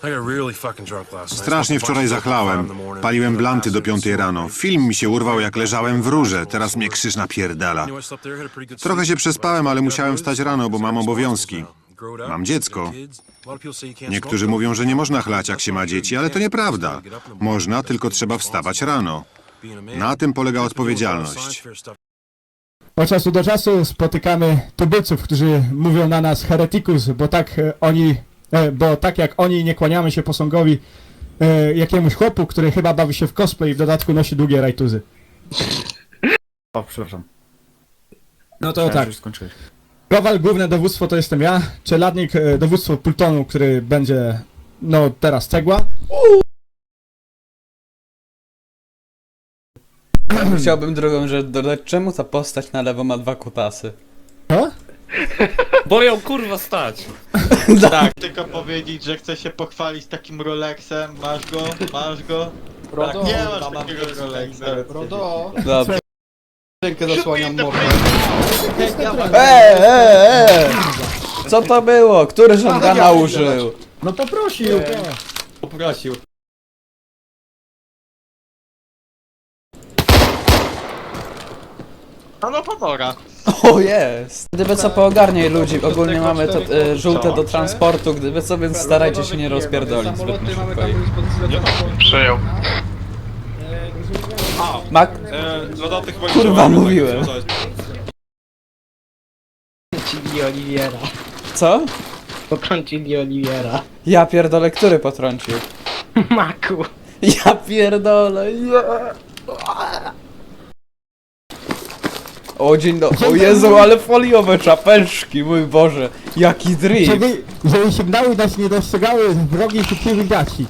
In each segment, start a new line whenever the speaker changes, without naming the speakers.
Strasznie wczoraj zachlałem. Paliłem blanty do 5 rano. Film mi się urwał, jak leżałem w rurze. Teraz mnie krzyż napierdala. Trochę się przespałem, ale musiałem wstać rano, bo mam obowiązki. Mam dziecko. Niektórzy mówią, że nie można chlać, jak się ma dzieci, ale to nieprawda. Można, tylko trzeba wstawać rano. Na tym polega odpowiedzialność.
Od czasu do czasu spotykamy tubylców, którzy mówią na nas heretikus, bo tak jak oni nie kłaniamy się posągowi jakiemuś chłopu, który chyba bawi się w cosplay i w dodatku nosi długie rajtuzy.
O, przepraszam.
No to tak.
Już skończyłeś.
Kowal, główne dowództwo to jestem ja, czeladnik, dowództwo plutonu, który będzie, no teraz cegła.
Chciałbym drugą rzecz dodać, czemu ta postać na lewo ma 2 kutasy?
Co?
Bo ją kurwa stać.
Tak, tylko powiedzieć, że chcę się pochwalić takim Rolexem. Masz go?
Rodo,
Nie masz takiego Rolexa.
Rodo,
Dobrze.
rękę zasłaniam mordę.
Co to było? Który żądana użył?
No poprosił!
Poprosił.
No pomora.
O jest! Gdyby co, poogarniaj ludzi, ogólnie mamy to żółte do transportu, gdyby co, więc starajcie się nie rozpierdolić zbytnio szybko.
Przyjął.
Mak...
Lodoty chyba
Kurwa, mówiłem.
Potrącili Oliwiera.
Co?
Potrącili Oliwiera.
Ja pierdolę, który potrącił?
Maku.
Ja pierdolę, ja... O dzień dobry, o Jezu, ale foliowe czapeczki, mój Boże, jaki drift!
Żeby sygnały nas nie dostrzegały wrogich chwili gaci.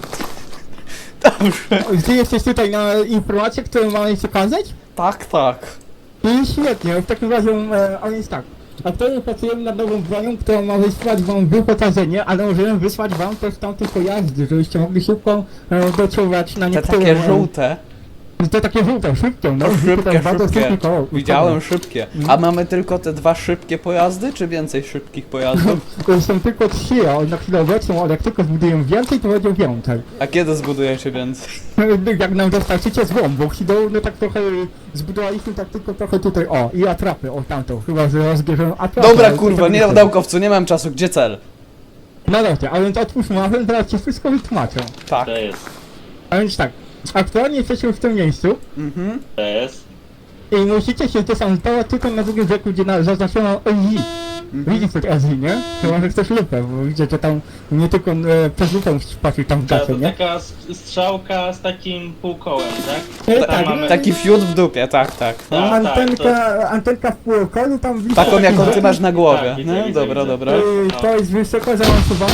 Dobrze.
Ty jesteś tutaj na informację, którą mamy przekazać?
Tak, tak.
I świetnie, w takim razie on jest tak. Aktualnie pracujemy nad nową bronią, którą ma wysłać wam wyposażenie, ale możemy wysłać wam też tamte pojazdy, żebyście mogli szybko doczuwać na
Te
niektóre...
takie żółte.
To takie żółte, szybkie, no.
Szybkie,
bardzo
szybkie.
szybkie koło.
Widziałem szybkie. A mamy tylko te 2 szybkie pojazdy, czy więcej szybkich pojazdów?
To są tylko 3, a na chwilę obecną, ale jak tylko zbuduję więcej, to będzie więcej.
A kiedy zbudujecie więcej?
Jak nam dostarczycie złom, bo Hido, no tak trochę zbudowaliśmy tak tylko trochę tutaj, o, i atrapy, o tamtą, chyba że rozbierzemy atrapy.
Dobra,
ale to
kurwa,
tak
nie, naukowcu, nie mam czasu, gdzie cel?
No dobrze, a więc otwórzmy, a więc teraz ci wszystko wytłumaczę.
Tak.
To jest.
A więc tak, aktualnie jesteśmy w tym miejscu
Mhm.
To jest.
i musicie się desantować tylko na drugim rzeku, gdzie zaznaczono LG. Widzisz coś LG, nie? Chyba, że chcesz lupę, bo widzę, że tam nie tylko przez lupę patrzył tam w
To
gacie, nie?
taka strzałka z takim półkołem, tak?
Nie,
Tam
tak,
mamy-
Taki fiut w dupie, tak, tak.
Tak,
Antenka w półkolu tam blisko.
Taką jaką ty masz na głowie.
Tak, widzę,
No,
widzę,
dobra,
widzę.
dobra.
To jest wysoko zaawansowany.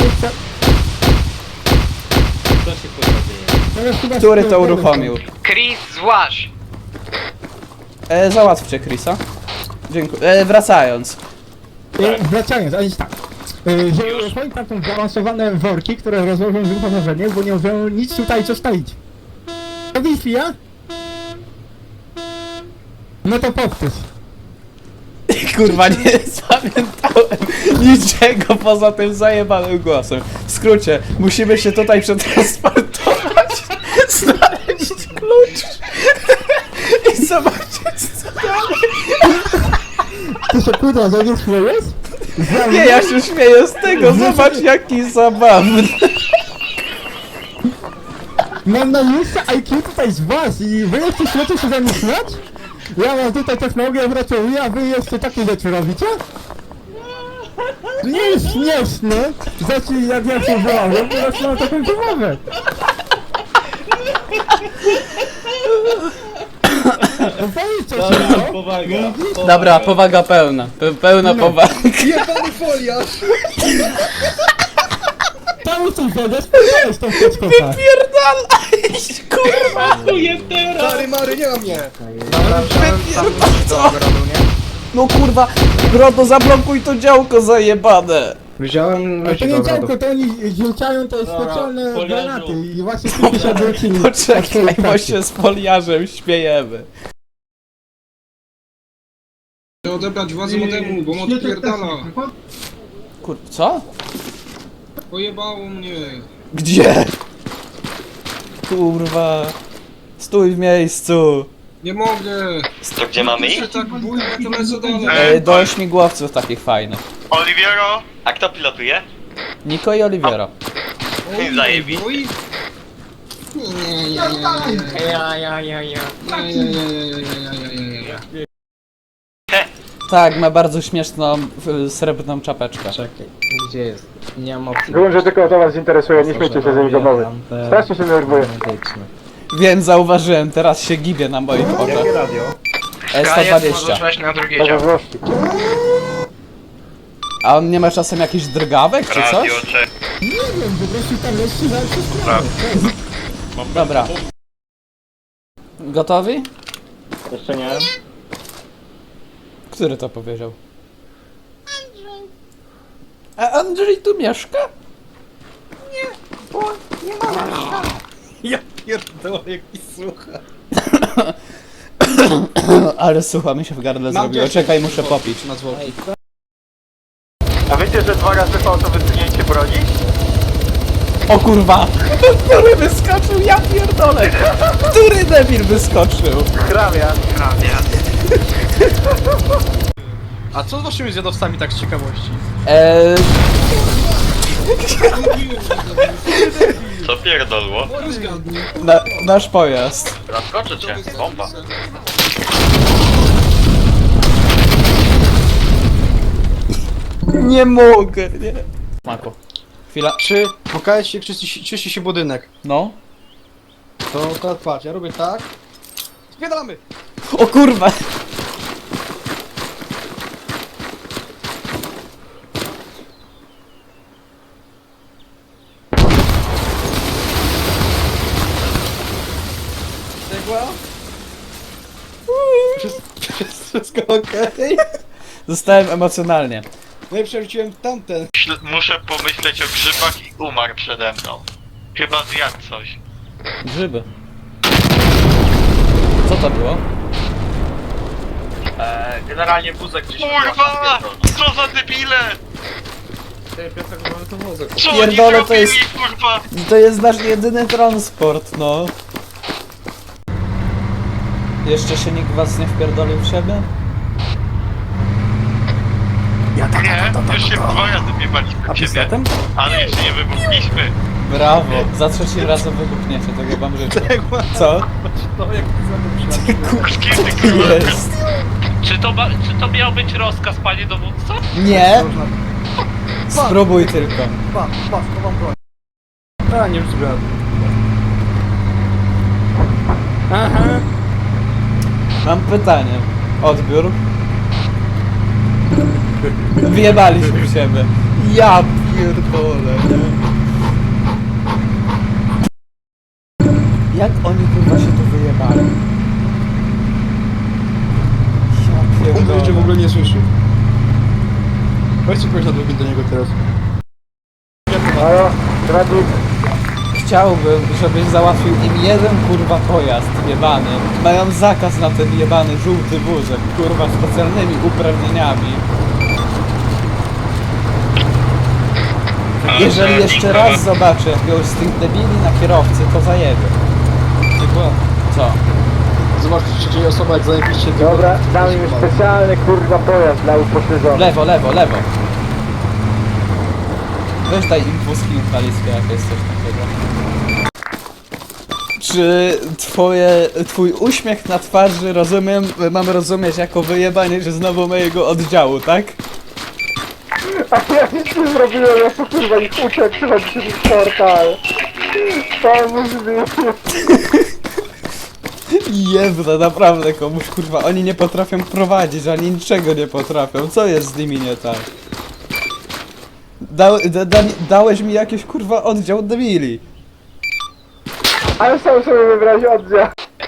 Co się kurwa dzieje?
Który to uruchomił?
Chris, złaź!
Załatwcie Chrisa. Dziękuję. Wracając.
Wracając, a więc tak. Że uruchomi tam są zaawansowane worki, które rozłożą wyposażenie, bo nie możemy nic tutaj zostawić. To Wi-Fi, ja? No to powtórz.
Kurwa, nie zapamiętałem niczego poza tym zajebanym głosem. W skrócie, musimy się tutaj przetransportować, znaleźć klucz i zobaczyć co dalej.
Ty się kurwa, że nie śmiejesz?
Nie, ja się śmieję z tego, zobacz jaki zabawny.
Mam najniższe IQ tutaj z was i wy jeszcze śmiecie się za mnie śmiać? Ja mam tutaj technologię wracowuję, a wy jeszcze takie rzeczy robicie? Nie jest śmieszne, znaczy jak ja się wyłałem, to teraz mam taką zabawę. No powiedzcie się,
Dobra,
no.
powaga.
Dobra, powaga pełna, pełna powaga.
Jebany foliarz!
Tam coś zadasz, powiedziałeś tą teczką, tak.
Pierdalaj, kurwa.
Chuję teraz!
Stary Mary, nie ma mnie!
No kurwa, Grodo, zablokuj to działko zajebane.
Wziąłem...
Ale to nie działko, to oni rzucają te specjalne
foliarzu.
granaty i właśnie tu się odwrócili.
Poczekaj, bo się z foliarzem śmiejemy.
Chcę odebrać władzę modemu, bo mod pierdala.
Kur... co?
Pojebało mnie.
Gdzie? Kurwa. Stój w miejscu.
Nie mogę.
To gdzie mamy
Się tak bójmy, to lecę dalej.
Do śmigłowców takich fajnych.
Oliviero? A kto pilotuje?
Niko i Oliviero.
Oj,
zajebiście.
oj.
Tak, ma bardzo śmieszną, srebrną czapeczkę.
Czekaj, gdzie jest? Nie mam opcji.
Że tylko to was interesuje, nie śmiejcie się z jego mowy. Strasznie się denerwuję.
Wiem, zauważyłem, teraz się gibie na moich oczach.
radio?
E120.
na drugie dział.
A on nie ma czasem jakichś drgawek czy coś?
Nie wiem, po prostu tam leci za sprawę.
Dobra. Gotowi?
Jeszcze nie.
Który to powiedział? A Andrzej tu mieszka?
Ja pierdolę, jaki słucha.
Ale słucha mi się w gardle zrobiło. Czekaj, muszę popić.
Na zwłoki.
A wiecie, że 2 razy po to wysunięcie broni?
O kurwa! Który wyskoczył? Ja pierdolę! Który debil wyskoczył?
Hrabian.
A co z waszymi zjadowcami tak z ciekawości?
Co pierdolło?
Nasz pojazd.
Zaskoczę cię, bomba.
Nie mogę, nie. Mako. Chwila.
Czy pokaże się, czyści się budynek?
No.
To teraz patrz, ja robię tak. Spiedalamy!
O kurwa!
Wszystko okej?
Zostałem emocjonalnie.
No i przerzuciłem tamten.
Muszę pomyśleć o grzybach i umarł przede mną. Chyba zjadł coś.
Grzyby. Co to było?
Generalnie wózek gdzieś... Kurwa! Co za debile! Co oni
Pierdolę, to
zrobili,
jest-
kurwa?
To jest nasz jedyny transport, no. Jeszcze się nikt was nie wpierdolił w siebie?
Nie, już się 2 razy biewaliśmy
A
w ciebie,
pistoletem?
ale jeszcze nie wybuchliśmy.
Brawo, za trzecim razem wybuchniecie, tego wam życzę. Co?
No jak ty
Z kim ty kurwa?
Jest.
Czy to miał być rozkaz, panie dowódco?
Nie! Spróbuj tylko.
chowam broń. A, nie rozumiem.
Mam pytanie. Odbiór. Wyjebaliśmy w siebie. Ja pierdolę. Jak oni kurwa się tu wyjebali? Ja
On jeszcze w
pierdolę.
ogóle nie słyszy. Weźcie kogoś na drugim do niego teraz.
Chciałbym, żebyś załatwił im jeden kurwa pojazd jebany. Mają zakaz na ten jebany żółty wózek, kurwa, z specjalnymi uprawnieniami. Jeżeli jeszcze raz zobaczę jakiegoś z tych debili na kierowcy, to zajebie.
Chyba.
Co?
Zobacz, trzeciej osoba jak zajebiście...
Dobra, dam im specjalny kurwa pojazd dla upośledzonych.
Lewo, lewo, lewo. Weź daj im wózki inwalidzkie, jak jest coś takiego. Czy twój uśmiech na twarzy, mam rozumieć jako wyjebanie się znowu mojego oddziału, tak?
A ja nic nie zrobiłem, ja po kurwa ich uczę, przychodzi się w portal. Pomóż mi.
Jebna, naprawdę komuś, kurwa, oni nie potrafią prowadzić, ani niczego nie potrafią, co jest z nimi nie tak? Dałeś mi jakiś, kurwa, oddział debili.
Ale sam sobie wybrać oddział.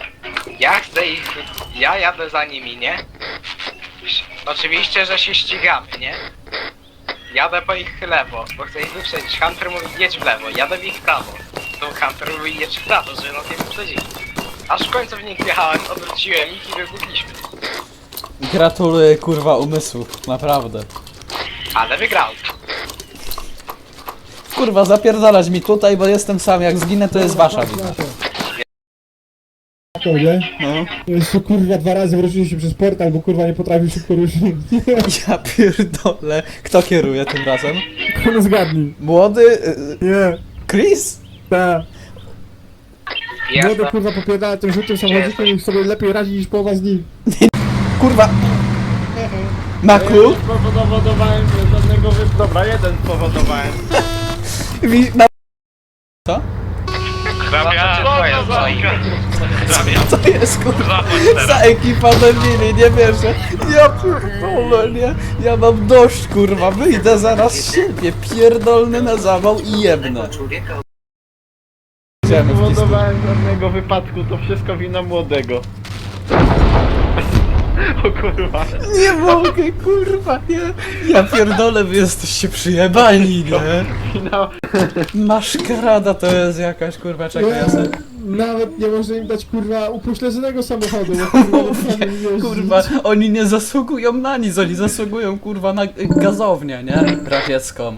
Ja jadę za nimi, nie? Oczywiście, że się ścigamy, nie? Jadę po ich lewo, bo chcę ich wyprzedzić. Hunter mówi jedź w lewo, jadę w ich prawo. To Hunter mówi jedź w prawo, że nas nie wyprzedzili. Aż w końcu w nich wjechałem, odwróciłem ich i wybuchliśmy.
Gratuluję, kurwa, umysłów, naprawdę.
Ale wygrałem.
kurwa, zapierdalać mi tutaj, bo jestem sam, jak zginę to jest wasza wina.
Nie?
No.
Jeszcze kurwa 2 razy wrócił się przez portal, bo kurwa nie potrafił szybko ruszyć.
Ja pierdolę. Kto kieruje tym razem?
No zgadnij.
Młody?
Nie,
Chris?
tak. Młody
Jasne.
kurwa popierdala tym żółtym samochodzikiem i sobie lepiej radzi niż połowa z nich.
Kurwa. Maku?
Spowodowałem żadnego Dobra, jeden spowodowałem.
Co?
Hrabia,
To jest kurwa
zachodź
za
teraz.
ekipa debili, nie wierzę. Ja pierdolę, nie? Ja mam dość kurwa, wyjdę zaraz z siebie, pierdolny na zawał i jebnę. Idziemy w disku.
Spowodowałem żadnego wypadku, to wszystko wina młodego. O kurwa.
Nie mogę, kurwa, nie. Ja pierdolę, wy jesteście przyjebani, nie? Maszkarada to jest jakaś, kurwa, czekaj, ja sobie...
Nawet nie może im dać kurwa upośledzonego samochodu, bo kurwa naprawdę nie jeździ.
Kurwa, oni nie zasługują na nic, oni zasługują, kurwa, na gazownię, nie? Radziecką.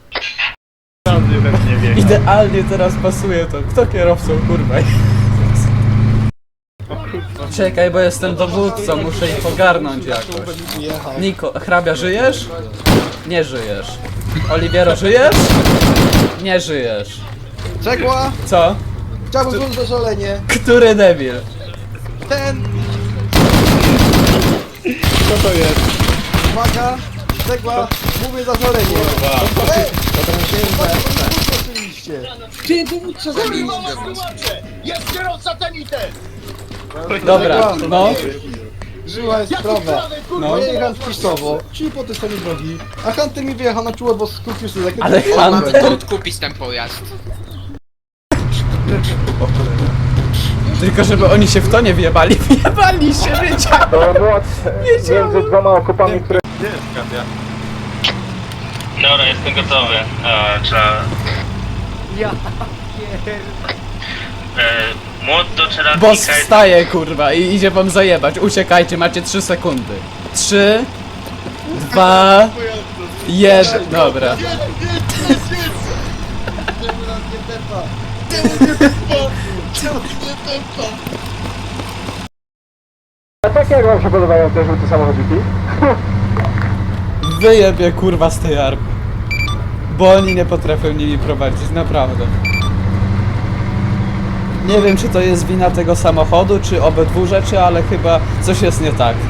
Idealnie teraz pasuje to. Kto kierowcą, kurwa? Czekaj, bo jestem dowódcą, muszę ich ogarnąć jakoś. Niko, hrabia, żyjesz? Nie żyjesz. Oliwiero, żyjesz? Nie żyjesz.
Cegła!
Co?
Chciałbym złożyć zażalenie.
Który debil?
Ten!
Co to jest?
Uwaga! Cegła! Mówię zażalenie. Oczywiście. Ty dowódca zabił!
Dobra, no.
Żyła jest sprawę.
No.
No. Ja jechałem wpisowo, czyli po tej stronie drogi, a Hunter mi wyjechał na czuło, bo skupił się za jakimś...
Ale Hunter...
odkupić ten pojazd.
Tylko żeby oni się w to nie wjebali. Wjebali się, wiedziałem! Wiedziałem!
Między dwoma okopami, które... Gdzie jest Katia?
Dobra, jestem gotowy. Trzeba...
Ja
Młot do czeladnika
Boss
jest...
wstaje, kurwa, i idzie wam zajebać. Uciekajcie, macie 3 sekundy. 3, 2, 1. Dobra.
A tak jak wam się podobają te żółte samochodziki?
Wyjebie, kurwa, z tej army. Bo oni nie potrafią nimi prowadzić, naprawdę. Nie wiem, czy to jest wina tego samochodu, czy obydwu rzeczy, ale chyba coś jest nie tak.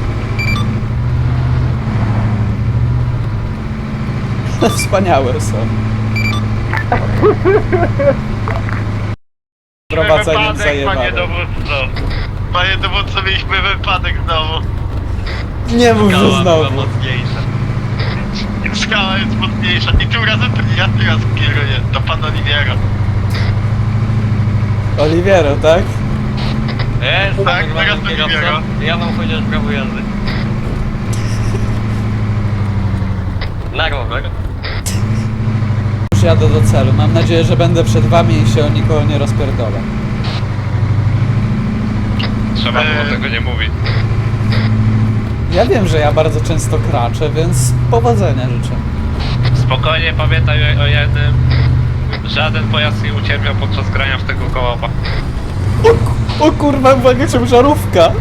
Wspaniałe są. Prowadzeniem
Wypadek, panie
zajebane.
dowódco. Panie dowódco, mieliśmy wypadek znowu.
Nie mów, że
Skała była
znowu.
mocniejsza. Skała jest mocniejsza i tym razem to nie ja teraz kieruję, to pan Oliwiero.
Oliwiero, tak?
Jest, tak, teraz Oliwiero. Ja mam chociaż prawo jazdy. Na rower.
Już jadę do celu. Mam nadzieję, że będę przed wami i się o nikogo nie rozpierdolę.
Trzeba było tego nie mówić.
Ja wiem, że ja bardzo często kraczę, więc powodzenia życzę.
Spokojnie pamiętaj o jednym. Żaden pojazd nie ucierpiał podczas grania w tego kołopa.
O kurwa, uwaga, ciężarówka!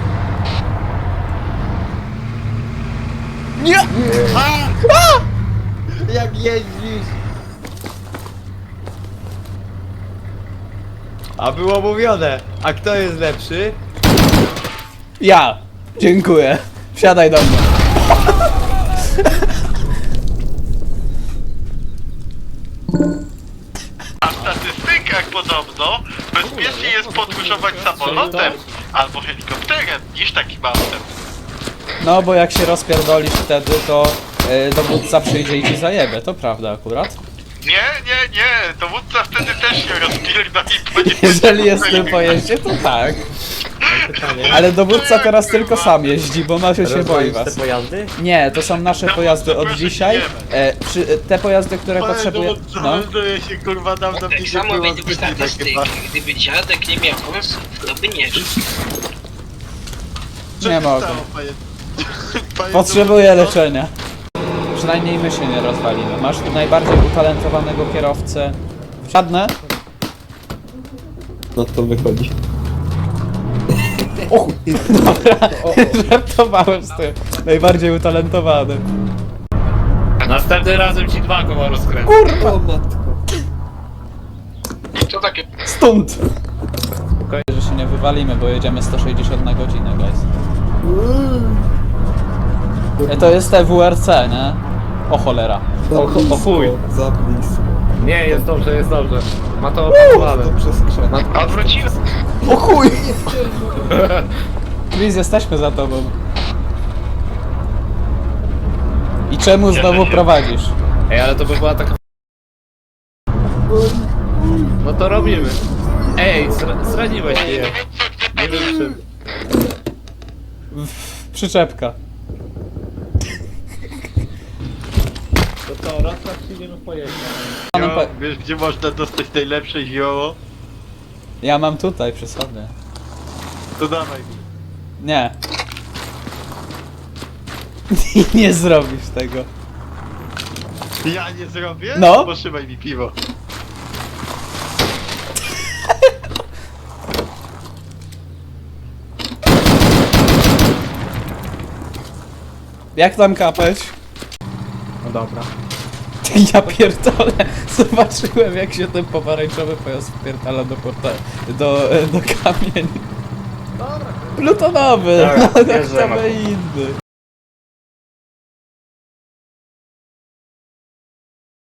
Nie!
Jak jeździsz?
A było mówione, a kto jest lepszy?
Ja! Dziękuję. Wsiadaj do mnie.
A w statystykach podobno bezpiecznie jest podróżować samolotem albo helikopterem niż takim autem.
No, bo jak się rozpierdolisz wtedy, to dowódca przyjdzie i ci zajebie. To prawda akurat.
Nie, dowódca wtedy też się rozpierdoli, bo nie
Jeżeli jest w tym pojeździe, to tak. Ale dowódca teraz tylko sam jeździ, bo Masio się boi was.
te pojazdy?
Nie, to są nasze pojazdy od
proszę,
dzisiaj.
nie
Te pojazdy, które potrzebuję... No.
Melduje się kurwa dawno
Tak samo według statystyk, gdyby dziadek nie miał wąsów, to by nie żył.
Nie mogę. Potrzebuję leczenia. przynajmniej my się nie rozwalimy. Masz tu najbardziej utalentowanego kierowcę. Wsiadnę?
No to wychodzi.
O chuj. Dobra, żartowałem z tym. Najbardziej utalentowany.
Następnym razem ci 2 koła rozkręcę.
O matko.
Co takie?
Stąd! Spokojnie, że się nie wywalimy, bo jedziemy 160 na godzinę, guys. To jest TWRC, nie? O cholera.
O chuj.
Za blisko.
Nie, jest dobrze, jest dobrze. Ma to opanowane.
To przez krzak.
Odwróciłem.
O chuj! Chris, jesteśmy za tobą. I czemu znowu prowadzisz?
Ej, ale to by była taka... No to robimy. Ej, zraniłeś mnie. Nie wiem czym.
Przyczepka.
To co, raz tak przyjdziemy pojechać.
Wiesz gdzie można dostać najlepsze zioło?
Ja mam tutaj przy sobie.
To dawaj mi.
Nie. Nie zrobisz tego.
Ja nie zrobię?
No.
Poszybaj mi piwo.
Jak tam kapeć?
No dobra.
Ja pierdolę. Zobaczyłem jak się ten pomarańczowy pojazd wpierdala do kamieni. Plutonowy.
Dobra,
No,
bierzemy.
kto by inny.